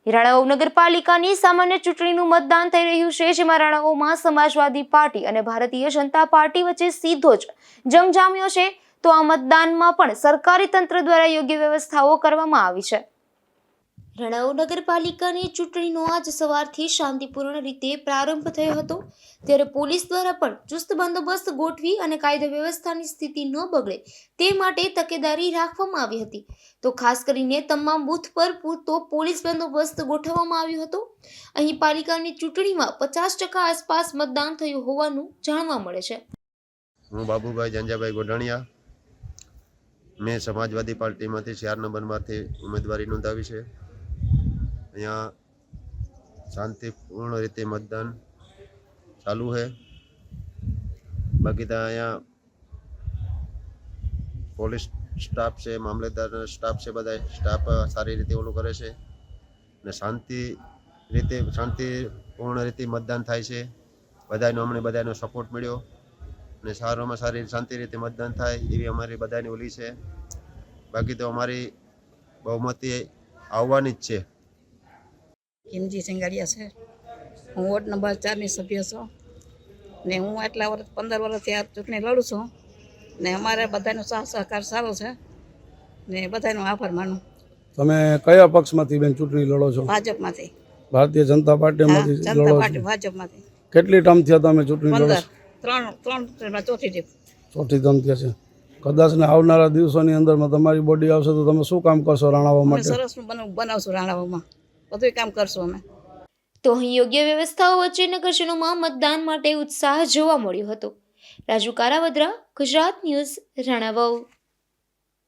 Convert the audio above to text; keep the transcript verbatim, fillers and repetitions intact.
રાણાવાવ નગરપાલિકાની સામાન્ય ચૂંટણીનું મતદાન થઈ રહ્યું છે, જેમાં રાણાવાવમાં સમાજવાદી પાર્ટી અને ભારતીય જનતા પાર્ટી વચ્ચે સીધો જ જંગ જામ્યો છે. તો આ મતદાનમાં પણ સરકારી તંત્ર દ્વારા યોગ્ય વ્યવસ્થાઓ કરવામાં આવી છે. રાણાવાવ નગરપાલિકાની ચૂંટણીનો આજ સવારથી શાંતિપૂર્ણ રીતે પ્રારંભ થયો હતો, ત્યારે પોલીસ દ્વારા પણ ચુસ્ત બંદોબસ્ત ગોઠવી અને કાયદો વ્યવસ્થાની સ્થિતિ ન બગડે તે માટે તકેદારી રાખવામાં આવી હતી. તો ખાસ કરીને તમામ બૂથ પર પૂરતો પોલીસ બંદોબસ્ત ગોઠવવામાં આવ્યો હતો. અહીં પાલિકાની ચૂંટણીમાં પચાસ ટકા આસપાસ મતદાન થયું હોવાનું જાણવા મળે છે. હું બાબુભાઈ જંજાભાઈ ગોઢાણીયા, મેં સમાજવાદી પાર્ટીમાંથી ચાર નંબરમાંથી ઉમેદવારી નોંધાવી છે. અહીંયા શાંતિપૂર્ણ રીતે મતદાન ચાલુ છે. બાકી તો અહીંયા પોલીસ સ્ટાફ છે, મામલતદાર સ્ટાફ છે, બધા સ્ટાફ સારી રીતે ઓલું કરે છે ને શાંતિ રીતે શાંતિપૂર્ણ રીતે મતદાન થાય છે. બધાનો અમને બધાનો સપોર્ટ મળ્યો ને સારામાં સારી શાંતિ રીતે મતદાન થાય એવી અમારી બધાની ઓલી છે. બાકી તો અમારી બહુમતી આવવાની જ છે. કિમજી સિંગાડિયા છે. હું વોર્ડ નંબર ચારની સભ્ય છું ને હું આટલા વર્ષ પંદર વર્ષથી આ ચૂંટણી લડું છું ને અમારે બધાનો સાથ સહકાર સારો છે ને બધાનો આભાર માનું. તમે કયા પક્ષમાંથી બેન ચૂંટણી લડો છો? ભાજપમાંથી. ભારતીય જનતા પાર્ટીમાંથી જનતા લડો પાર્ટી છો? ભાજપમાંથી. કેટલી ટર્મ થયા તમે ચૂંટણી લડો પંદર છો? ત્રણ ત્રણ ટર્મમાં ચોથી ટીપ. ચોથી ટર્મ થયા છે. કદાચ ને આવનારા દિવસોની અંદરમાં તમારી બોડી આવશે તો તમે શું કામ કરશો રાણાવાવ અમે માટે? સરસનું બનાવ બનાવશું રાણાવાવમાં, બધું કામ કરશું અમે. તો અહીં યોગ્ય વ્યવસ્થાઓ વચ્ચે નગરજનોમાં મતદાન માટે ઉત્સાહ જોવા મળ્યો હતો. રાજુ કારાવદ્રા, ગુજરાત ન્યૂઝ, રાણાવાવ.